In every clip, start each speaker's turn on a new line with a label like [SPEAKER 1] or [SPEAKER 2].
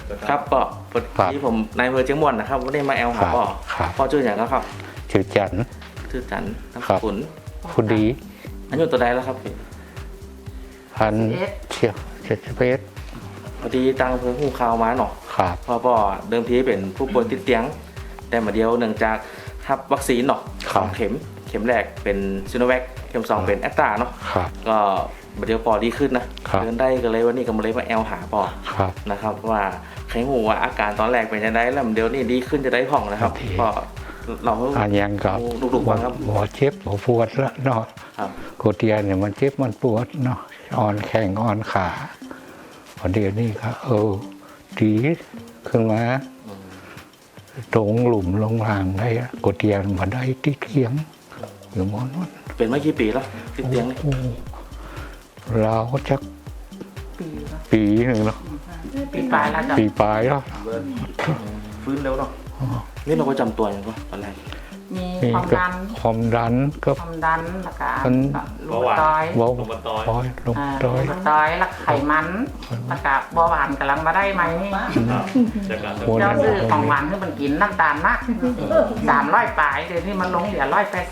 [SPEAKER 1] ครับปอที่ผมนายอำเภอเชียงม่วนนะครับวันนี้มาแอลหาปอปอชื่ออย่างแล้วครับ
[SPEAKER 2] ชื่อจันทร์
[SPEAKER 1] ชื่อจันนามสกุล
[SPEAKER 2] ผู้ดี
[SPEAKER 1] อายุตัวใดแล้วครับ
[SPEAKER 2] พันเชียว71
[SPEAKER 1] พอดีตังอำเภอหูข่าวมาเนาะ
[SPEAKER 2] ครับ
[SPEAKER 1] พอปอเดิมทีเป็นผู้ป่วยติดเตียง แต่มาเดียวเนื่องจากรับวัคซีนเนาะสองเข็มแรกเป็นซิโนแวคเข็ม2เป็นแอสตราเนาะ
[SPEAKER 2] ครับ
[SPEAKER 1] ก็มาเดียวปอดีขึ้นนะเดินได้ก็เลยวันนี้ก็มาเลยมาแอลหาปอ
[SPEAKER 2] ครับ
[SPEAKER 1] นะครับว่าใครหูว่าอาการตอนแรกเป็นยังไงแล้วเดี๋ยวนี้ดีขึ้นจะได้ผ่องนะครับก็เรา
[SPEAKER 2] อันยังกับ
[SPEAKER 1] ดุๆบ้างครับ
[SPEAKER 2] หัวเจ็บหัวปวดแล้วเนาะ
[SPEAKER 1] ครับ
[SPEAKER 2] โกเตียนเนี่ยมันเจ็บมันปวดเนาะอ่อนแข้งอ่อนขาพอเดี๋ยวนี้ก็ดีขึ้นมาตรงหลุมลงรางได้โกเตียนมาได้ที่เทียงอยู่มอนนั้น
[SPEAKER 1] เป็นมากี่ปีแล้วติดเตียงนี่
[SPEAKER 2] โอ้เราจะปีหนึ่งแล้ว
[SPEAKER 3] ปีปลายแล้วจ้ะ
[SPEAKER 2] ปีปลายแล้ว
[SPEAKER 1] ฟื้นเร็วเนาะนี่เราประจำตัวอย่างก็ตอนแรก
[SPEAKER 3] มี
[SPEAKER 2] นี่
[SPEAKER 3] ความ
[SPEAKER 2] ก็
[SPEAKER 3] ดัน
[SPEAKER 2] ความดันก็
[SPEAKER 3] ความดันแล้วก็
[SPEAKER 2] มัน
[SPEAKER 3] ลูกต้อย
[SPEAKER 2] เบา
[SPEAKER 1] ลงมาตอย
[SPEAKER 2] ต้อยลงต้อย
[SPEAKER 3] ลูกต้อยแล้วไขมันแล้วก็เบาหวานกำลังมาได้ไหมนี่
[SPEAKER 2] หัว
[SPEAKER 3] เจ้า
[SPEAKER 2] นั้น
[SPEAKER 3] ซื้อของหวานให้มันกินน้ำตาลมาก300ปลายเดี๋ยวนี้มันลงเหลือ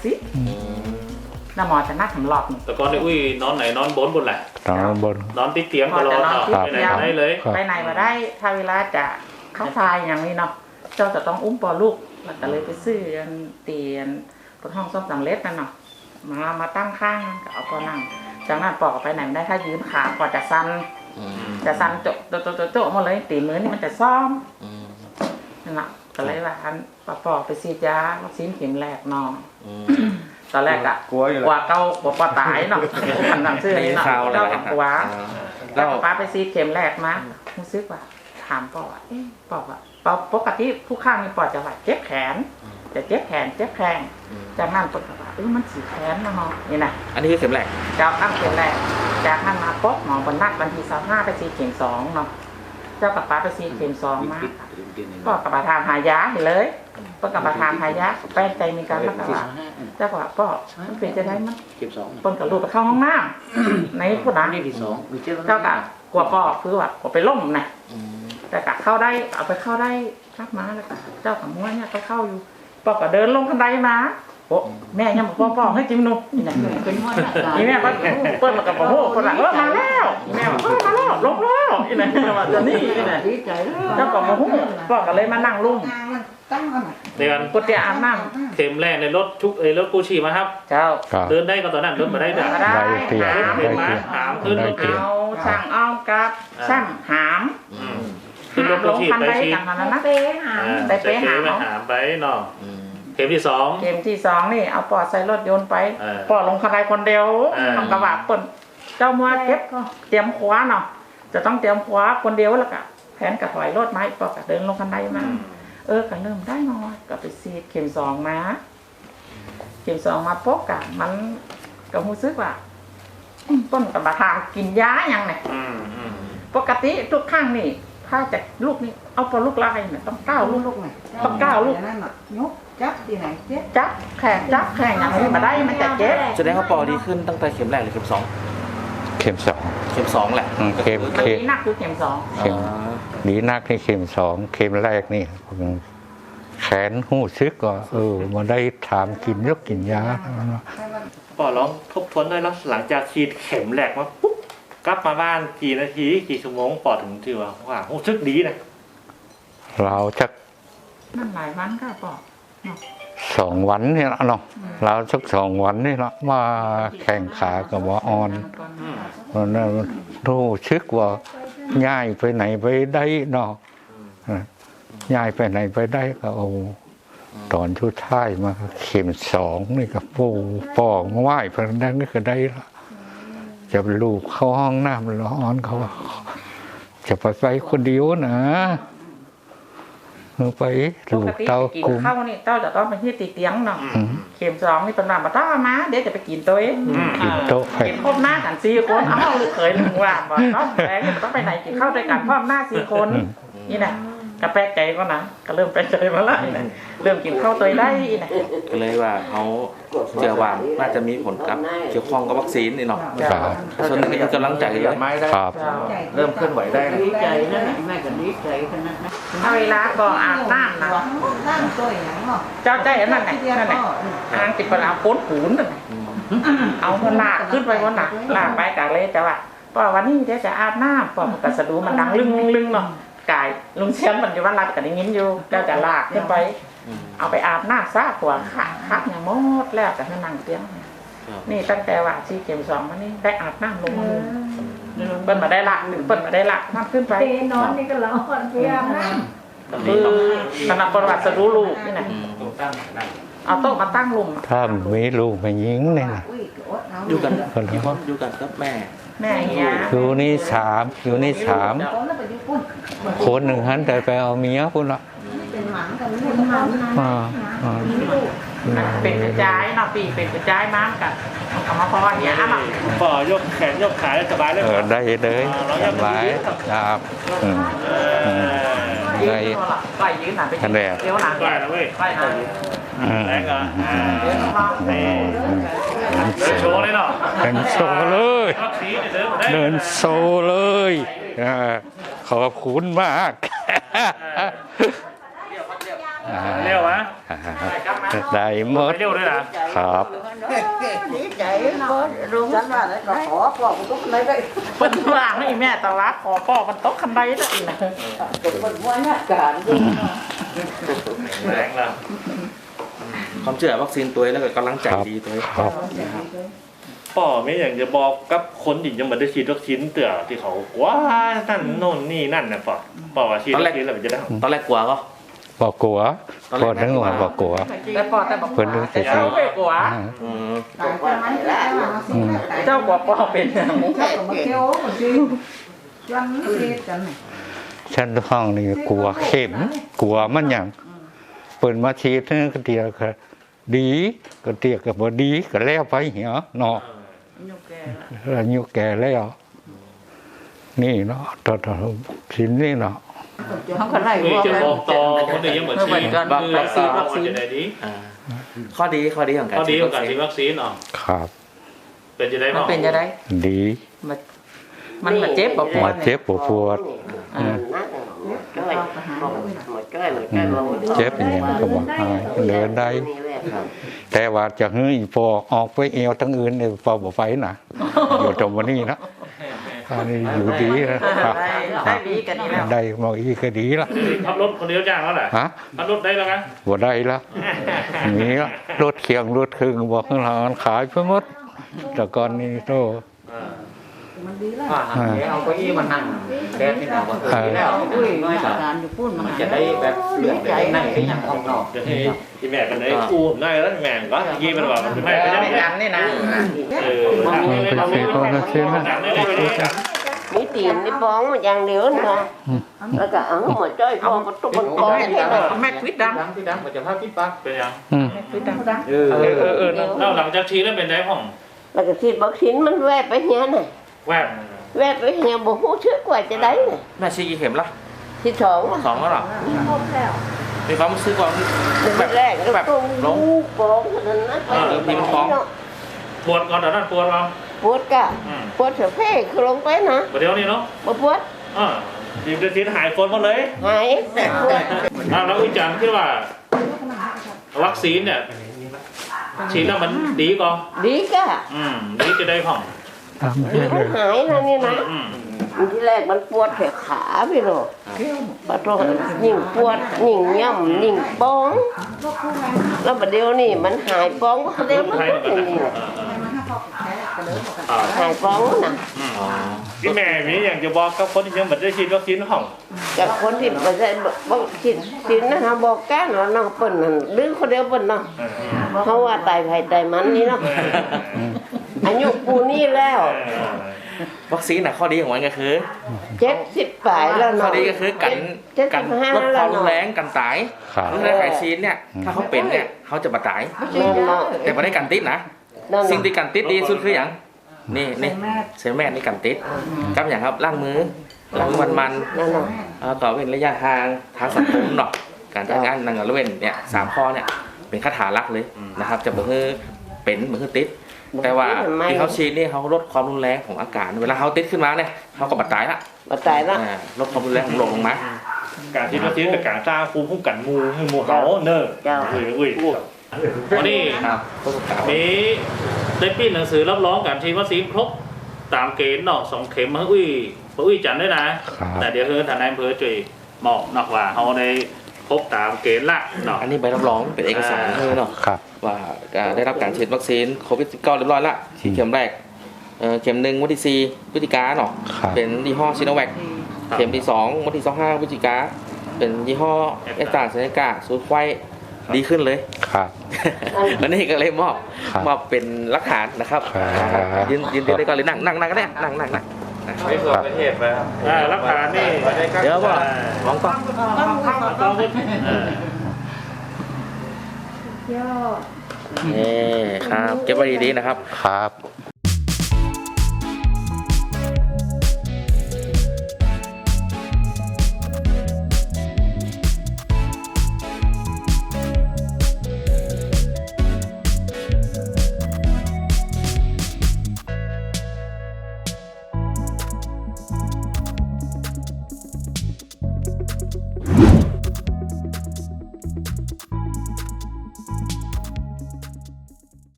[SPEAKER 3] 180แล้วหมอจะนัดสำหรับ
[SPEAKER 4] แต่ก่อนนี่อุ้ยนอนไหนนอนบนแหละ
[SPEAKER 2] ตอนบน
[SPEAKER 4] นอนติดเตียงตลอดเนาะไปไหนมาได้เลย
[SPEAKER 2] ครับ
[SPEAKER 3] ไปไหนมาได้ถ้าเวลาจะเข้าทายอย่างนี้เนาะเจ้าจะต้องอุ้มปอลูกแล้วก็เลยไปซื้อเตียนบนห้องซ่อมสำเร็จนั่นเนาะมาตั้งข้างก็เอาปอนั่งจากนั้นปอกไปไหนไม่ได้ถ้ายืนขาปอจะสั่นโจะหมดเลยตีมือนี่มันจะซ่อมนั่นแหละก็เลยว่าอันปอไปซีดยาวัคซีนเข็มแรกเนาะตอนแรกอะกลัวเก้ากลัวปอตายเนาะขันหนังเสื้อนี่เนาะเจ้ากับกลัวแล้วป้าไปซีดเข็มแรกมารู้สึกว่าถามปอว่าปอว่าปกติผู้ข้างนี่ปอจะว่าเจ็บแขนจะเจ็บแขนเจ็บแข้งจากนั้นปอว่ามันสีแขนนะฮะนี่นะ
[SPEAKER 1] อันนี้คือเข็มแรก
[SPEAKER 3] เจ้าตั้งเข็มแรกจากนั้นมาป๊อกหมอบนนัดวันที่25ไปซีดเข็ม2เนาะเจ้ากับป้าไปซีดเข็ม2มาก็กับประทานหายาไปเลยป้ากับประทานหายาแป้งใจมีการรักษาเจ้าก็ว่าป้อมันเป็นจะได้มั้ยปนกับลูกไปเข้าห้องน้ำในผู้นั้นเจ้าก็กลัวป้อคือว่ากลัวไปล่มนะแต่กะเข้าได้เอาไปเข้าได้รับมาแล้วก็เจ้ากับม้วนเนี่ยก็เข้าอยู่ป้อก็เดินลงบันไดมาโอ้แม่ยังบอกป้อให้จิ้มหนูนี่นะนี่แม่ก็เปิดมากับโอ้โหคนหลังมาแล้วแม่บอกมาแล้วลงแล้วนี่นะว่าจะนี่นะ
[SPEAKER 5] ดีใจเลย
[SPEAKER 3] เจ้าก็โอ้โหป้อก็เลยมานั่งลุ่ม
[SPEAKER 5] ตั้งกันหน่อย
[SPEAKER 4] เดือน
[SPEAKER 3] กุฏิอาบน้
[SPEAKER 4] เข็มแรกในรถทุกรถกู้ชีพมาครับ
[SPEAKER 3] ำเจ้า
[SPEAKER 2] ครับ
[SPEAKER 4] เดินได้ก็ตอนนั้นเดินมาได้เด้อ
[SPEAKER 3] ก็ได้
[SPEAKER 2] ได้เตียง
[SPEAKER 3] หาม
[SPEAKER 4] เดินมาหามขึ้นรถ
[SPEAKER 3] เอาช่างอ้อมกับช่างหาม
[SPEAKER 4] ขึ้นรถ
[SPEAKER 3] ล
[SPEAKER 4] กู้
[SPEAKER 3] ง
[SPEAKER 4] ชีพ
[SPEAKER 3] คัน
[SPEAKER 4] ไป
[SPEAKER 3] ใด
[SPEAKER 4] ชีพ
[SPEAKER 3] กันนั้นนะ
[SPEAKER 5] เป๊ะหา
[SPEAKER 3] ไปเป๊ะหาม
[SPEAKER 4] หามไปเนาะเข็มที่สอง
[SPEAKER 3] เกมที่2นี่เอาปอดใส่รถยนต์ไป
[SPEAKER 4] เออ
[SPEAKER 3] ปอดลงคันใดคนเดียว
[SPEAKER 4] เออ
[SPEAKER 3] ทำกระบะเปิ่นเจ้ามัวเก็บเตรียมขวาเนาะจะต้องเตรียมขวาคนเดียวแล้วก็แผนกระถอยรถไม้ปอดก็เดินลงคันใดมาก็เริ่มได้น้อยก็ไปซีดเข็ม2มาเข็ม2มาพบกับมันก็รู้สึกว่าต้นกับมาทางกินยาอย่างไงปกติทุกครั้งนี่ถ้าจะลูกนี่เอาปอลูกลายเนี่ยต้องก้าวลูก
[SPEAKER 5] ลูกหน่อย
[SPEAKER 3] ต้องก้าวลูก
[SPEAKER 5] นั่นน่ะยกจับที่ไหนเจ๊
[SPEAKER 3] จับแข่งอย่างนี้มาได้มันจะเจ็บ
[SPEAKER 1] แสดงว่าปอดีขึ้นตั้งแต่เข็มแรกหรือเข็มสอง
[SPEAKER 2] เข็ม2
[SPEAKER 1] เข็ม2แหละ
[SPEAKER 2] เข็ม
[SPEAKER 3] มันนี้หนักคือเข็ม2
[SPEAKER 2] เข็มดีนักนี่เข็ม2เข็มแรกนี่แขนหูซึกก็มาได้ถามกินยกกินยา
[SPEAKER 4] ปอลองทบทวนด้วยแล้วหลังจากฉีดเข็มแรกมาปุ๊บกลับมาบ้านกี่นาทีกี่ชั่วโมงปอถึงถือว่ารู้สึกดีนะ
[SPEAKER 2] เราจะ
[SPEAKER 3] มันหลายวันก็ปอก
[SPEAKER 2] 2 วันนี่ละเนาะเราสัก2 วันนี่ละมาแข่งขากับว่าอ่อนเพราะนั้นรู้ซึกว่าย้ายไปไหนไปได้เนาะย้ายไปไหนไปได้ก็ตอนชุดท้ายมาเข็ม2นี่ก็ปอกไหว้พระนั้นก็ได้ละจะลูกเข้าห้องน้ำร้อนเขาว่าจะไปคนเดียวนะไป
[SPEAKER 3] ป
[SPEAKER 2] ลู
[SPEAKER 3] ก
[SPEAKER 2] ก
[SPEAKER 3] ติ
[SPEAKER 2] เต้า
[SPEAKER 3] กิน
[SPEAKER 2] กุ้ง
[SPEAKER 3] ข้าวนี่เต้าจะต้องไปที่ตีเตียงเนาะเข็ม2นี่เป็นแบบมาต้ามาเดี๋ยวจะไปกินตัวเอง
[SPEAKER 2] กินโต๊ะ
[SPEAKER 3] กินพร้อมหน้ากัน4 คนลูกเขยลุงว่าบอกต้องแรงต้องไปไหนกินข้าวด้วยกันพร้อมหน้า4 คนนี่นะก็แปลกใจก็นะก็เริ่มแปลกใจมาแล้วนะเริ่มกินข้าวตัวได้นะ
[SPEAKER 1] ก็เลยว่าเขาเชื่อว่าน่าจะมีผลกับเกี่ยวข้องกับวัคซีนนี่เนาะ
[SPEAKER 2] ครับ
[SPEAKER 1] ส่วนหนึ่งก็คือกำลังใจเลย
[SPEAKER 4] ไม้ได้
[SPEAKER 2] ครับ
[SPEAKER 4] เริ่มเคลื่อนไหวได้นะ
[SPEAKER 5] ดีใจนะแม่ก็ดีใจขนาดนั้น
[SPEAKER 3] เอาเวลาก็อาบน้ำนะ
[SPEAKER 5] ตั้งตัวอย่างเนาะ
[SPEAKER 3] เจ้าใจอันนั้นไหนนั่นไหนทางติดปลาป้นหูนนั่นเอาคนลากขึ้นไปวันหนักลากไปกะเลยแต่ว่าพอวันนี้เดี๋ยวจะอาบน้ำพอมันกระสะดูมันดังลึงเนาะกายลุงเชียนมันอยู่วันรับกันได้ยินอยู่เจ้าจะลากขึ้นไป เอาไปอาบน้ำซะหัวขาคักอย่างหมดแล้วแต่ให้นั่งเตียงนี่ตั้งแต่ว่าชีเข็มสองมานี่ได้อาบน้ำลงมือเปิ้นมาได้ละหรือเปิ้นมาได้ละมากขึ้นไป
[SPEAKER 5] เปนอนนี่ก็ร้อนเพียงนะ
[SPEAKER 3] คือขณะประวัติสรู้ลูกนี่นะเอาโต๊ะมาตั้งลุม
[SPEAKER 2] ถ้ามีลูกไม่ยิงเนี่ยนะ
[SPEAKER 5] อุ้ยอดเอา
[SPEAKER 1] อยู่กันกี่คนอยู่กันกับแม่
[SPEAKER 3] แม่เฮีย
[SPEAKER 2] อยู่นี่สามอยู่นี่สาม
[SPEAKER 5] คนแล้วไปอยู่ปุ่น
[SPEAKER 2] คนหนึ่งหันแต่ไปเอาเมียพุ่นละ
[SPEAKER 5] เป็นหมันกันเป็นหมันมีลูก
[SPEAKER 3] เป็นกระจายเนาะปีเป็นกระจายมากกับเอามาพอเฮียอ่ะมา
[SPEAKER 4] ป่อยกแขนยกขาได้สบายเลย
[SPEAKER 2] ได้เลยสบายครับอืม
[SPEAKER 3] ยืนตัวละไปยืนหนาไปยืนเดี๋ยวหนา
[SPEAKER 4] ได้นะเว้ย
[SPEAKER 3] ไปหนา
[SPEAKER 4] แรงอ่ะ
[SPEAKER 3] เดี๋ยวมา
[SPEAKER 2] นี่
[SPEAKER 4] โชว์เลยเนาะ
[SPEAKER 2] เดินโซเลย
[SPEAKER 4] วัคซีนเดินได้
[SPEAKER 2] เดินโซเลยขอบคุณมาก
[SPEAKER 4] เร็ววะ
[SPEAKER 2] ได้หมด
[SPEAKER 4] เร็วด้วยนะครับ
[SPEAKER 5] ดีใจรู้ฉันว่าแล้วก็ขอบอกทุกคนเลย
[SPEAKER 3] เปิ้นว่างให้แม่แต่ว่าขอป้อมันโต๊ะคันใดแล้วอีกนะ
[SPEAKER 5] คนว่าเนี่ยการ
[SPEAKER 4] แรงแล้ว
[SPEAKER 1] ความเชื่อวัคซีนตัวแล้วก็กำลังใจดีตัว
[SPEAKER 2] ครับ
[SPEAKER 4] ป่อไม่อย่างจะบอกกับคนที่ยังไม่ได้ฉีดวัคซีนเตือที่เขาว้านั่นโน่นนี่นั่นนะป่อว่าฉีดวัคซีนแล้วมันจะได้
[SPEAKER 1] ตอนแรกกลัวก็
[SPEAKER 2] บอกกลัวพอทั้งวันบอกกลัว
[SPEAKER 3] แต่ปอแต่บอก
[SPEAKER 2] เพิ่นรู้สึก
[SPEAKER 3] เจ้าไม่กลัว
[SPEAKER 1] อืม
[SPEAKER 5] ตายจะมันแล้ว
[SPEAKER 3] เจ้ากลัวปอเป็นอย่าง
[SPEAKER 5] เจ้าก็มาเที่ยวคนจริงยังเสียกัน
[SPEAKER 2] ฉันห้องนี่กลัวเข็มกลัวมันอย่างเปิดมาฉีดนี่ก็เดียวก็ดีก็เตียก็บ่ดีก็แล้วไปเหี่ยเนาะแล้วอายุแก่แล้วนี่เนาะตอนสินนี่เนาะ
[SPEAKER 5] เขาก็ไล่
[SPEAKER 4] นี่
[SPEAKER 5] พวก
[SPEAKER 4] จะ
[SPEAKER 5] นั้น
[SPEAKER 4] บอกต่อคนอื่นยังเหมือนฉีดวัคซีนจะได้ดี
[SPEAKER 1] ข้อดีของการ
[SPEAKER 4] ข้อดี
[SPEAKER 1] ฉีด
[SPEAKER 4] ของ
[SPEAKER 1] วัค
[SPEAKER 4] การ
[SPEAKER 1] ซี
[SPEAKER 4] ฉี
[SPEAKER 1] น
[SPEAKER 4] ดวัคซีนเนาะ
[SPEAKER 2] ครับ
[SPEAKER 4] เป็นจะได้
[SPEAKER 3] มัน
[SPEAKER 4] เนาะ
[SPEAKER 3] เป็นจะได้
[SPEAKER 2] ดี
[SPEAKER 3] มันมาเจ็บปวด
[SPEAKER 2] มาเจ็บปวดเจ็บอย่างก็บอกหายเดินได้ แต่ว่าจะเฮ้ยพอออกไปเอวทั้งอื่นเนี่ยพอบ่ไปนะอยู่ตรงวันนี้นะอันนี้อยู่ดีนะครับ
[SPEAKER 3] ได้ดีกันนี่แล้ว
[SPEAKER 2] ได้มาอีกก็ดีละ
[SPEAKER 4] ขับรถคนเดียวจ้างแล้วแหละ
[SPEAKER 2] ฮะ
[SPEAKER 4] ขับรถได้แล้วนะ
[SPEAKER 2] บ่ได้ละมีละรถเคียงรถครึ่งบอกข้างหลังขายไปหมดแต่ก่อนนี้โต
[SPEAKER 5] มันดีแล้ว
[SPEAKER 6] เอาเก้าอี้มานั่งแดดนี่นะว่าแล้ว
[SPEAKER 5] อุ้ยการอยู่ปุ่นมัน
[SPEAKER 6] จะได้แบบเลือดได้นั่งที่ยังออกนอก
[SPEAKER 4] จะให้ที่แม่กันได้อู้ได้แล้วแม่ก็ยี่มันว่ามันไม่ก็ยัง
[SPEAKER 3] ไม่กันนี่นะ
[SPEAKER 7] มีตีนนี่บ้องมันอย่างเดียวนะแล้วก็เอาหมดจ้อยพอมันตุกมันก้อนนี่นะ
[SPEAKER 3] แม่ควิดดัง
[SPEAKER 6] ที่ดังมันจะพาพี่ปัก
[SPEAKER 4] เป็นยัง
[SPEAKER 3] แม่ควิดดัง
[SPEAKER 4] แล้วหลังจากฉีดแล้วเป็นได้ห้อง
[SPEAKER 7] แล้วก็ฉีดวัคซีนมันแวบไปเนี้ยน่ะ
[SPEAKER 4] แวบ
[SPEAKER 7] แวบไปเนี้ยบ่ฮู้ชื่อกว่าจะได้น่ะ
[SPEAKER 1] แม่ฉีดกี่เข็มละ
[SPEAKER 7] ที่สอง
[SPEAKER 1] สองแล้วหรอ
[SPEAKER 5] ครบแล้ว
[SPEAKER 1] มีความรู้สึกว่า
[SPEAKER 7] แบบแรกก็ต้องลูกบ้องเท่านั้นนะไป
[SPEAKER 4] ปวดก่อนแต่นั้นปวดเรา
[SPEAKER 7] ปวดกะปวดเสือเพ่คือลงไปนะ
[SPEAKER 4] เดี๋ยวนี้เนาะ
[SPEAKER 7] บ่ปวด
[SPEAKER 4] ฉีดวัคซีนหายปวดหมดเลย
[SPEAKER 7] หายแต่ปวด
[SPEAKER 4] แล้วอีกอย่างที่ว่าวัคซีนเนี่ยฉีดแล้วมันดีก่อน
[SPEAKER 7] ดีกะ
[SPEAKER 4] ดีจะได้ห้อง
[SPEAKER 2] ทำ
[SPEAKER 7] ดี
[SPEAKER 2] ให้เล
[SPEAKER 7] มัน
[SPEAKER 2] ย
[SPEAKER 7] หายนะนี่นะที่แรกมันปวดแขนขาพี่โลปะโตยิ่งปวดยิ่งย่ำยิ่งบ้องแล้วประเดี๋ยวนี่มันหายบ้องประเดี๋ยวมันก็อย่างนี้หายบ้องนะ
[SPEAKER 4] พี่แม่มีอย่างจะบอกกับคนที่ยังไม่ได้ฉีดวัคซีนห้อง
[SPEAKER 7] จากคนที่ไม่ได้บอกสินนะฮะบอกแก้เนาะน้องเปิ้นนั่นดื้อคนเดียวเปิ้นเนาะเพราะว่าตายไผตายมันนี่เนาะอายุปูนี่แล้ว
[SPEAKER 1] วัคซีนข้อดีของมันก็คือ
[SPEAKER 7] 70ปลายแล้ว
[SPEAKER 1] ข้อ
[SPEAKER 7] เนาะ
[SPEAKER 1] ดีก็คือกันลดความรุนแรงกันตาย
[SPEAKER 2] ครับ
[SPEAKER 1] รุนแรงไข้ซีนเนี่ยถ้าเขาเป็นเนี่ยเขาจะมาตาย
[SPEAKER 7] นั่นเนาะ
[SPEAKER 1] แต่ไม่ได้กันติดนะ
[SPEAKER 7] นั่น
[SPEAKER 1] สิ่ง
[SPEAKER 7] เนาะ
[SPEAKER 1] ที่กันติดดีสุดคืออย่างนี่เซลแมทนี่กันติดกับอย่างครับล้างมือแล้วมัน
[SPEAKER 7] นั่นเนาะ
[SPEAKER 1] ก็เป็นระยะห่างทางสังคมเนาะการจัดงานนางละเว้นเนี่ย3ข้อเนี่ยเป็นคาถาหลักเลยนะครับจะบ่คือเป็นบ่คือติดแต่ว่าที่เขาฉีดนี่เขาลดความรุนแรงของอากาศเวลาเขาติดขึ้นมาเนี่ยเขาก็บาดตายละ
[SPEAKER 7] มาตายละ
[SPEAKER 1] ลดความรุนแรงของโรคลงมา
[SPEAKER 4] การฉีดวัคซีนกับการสร้างภูมิคุ้มกันหมู่ให้หมู่เขาเนอะ
[SPEAKER 7] เจ้า
[SPEAKER 4] อุ้ย
[SPEAKER 6] วันนี้
[SPEAKER 1] ครับผู้ประกาศ
[SPEAKER 6] มีได้ปิ้นหนังสือรับรองการฉีดวัคซีนครบตามเกณฑ์เนาะ2 เข็มมาอุ้ยจันด้วยนะ แต่เดี๋ยวทางนายอำเภอช่วยบอกนอกว่าเขาได้ครบตามเกณฑ์ละเนาะ
[SPEAKER 1] อันนี้ใบรับรองเป็นเอกสารเนาะ
[SPEAKER 2] ครับ
[SPEAKER 1] ว่าได้รับการฉีดวัคซีนโควิด19เรียบร้อยละฉีดเข็มแรกเข็ม1วันที่4พฤศจิกาเนาะ
[SPEAKER 2] ครับ
[SPEAKER 1] เป็นยี่ห้อซิโนแวคเข็มที่2วันที่25พฤศจิกาเป็นยี่ห้อแอสตราเซเนกาสูตรไข้ดีขึ้นเลย
[SPEAKER 2] ครับ
[SPEAKER 1] วันนี้ก็เลยมอบ
[SPEAKER 2] ครับ
[SPEAKER 1] มอบเป็นหลักฐานนะครับ
[SPEAKER 2] ครับ
[SPEAKER 1] ยืนได้ก่อนเลยนั่งก็ได้นั่ง
[SPEAKER 6] ไปส่วนประเทศไปครับรักฐานนี่
[SPEAKER 1] เดี๋ยวว่ามองกล้อง นี่ครับเก็บไว้ดีๆนะครับ
[SPEAKER 2] ครับ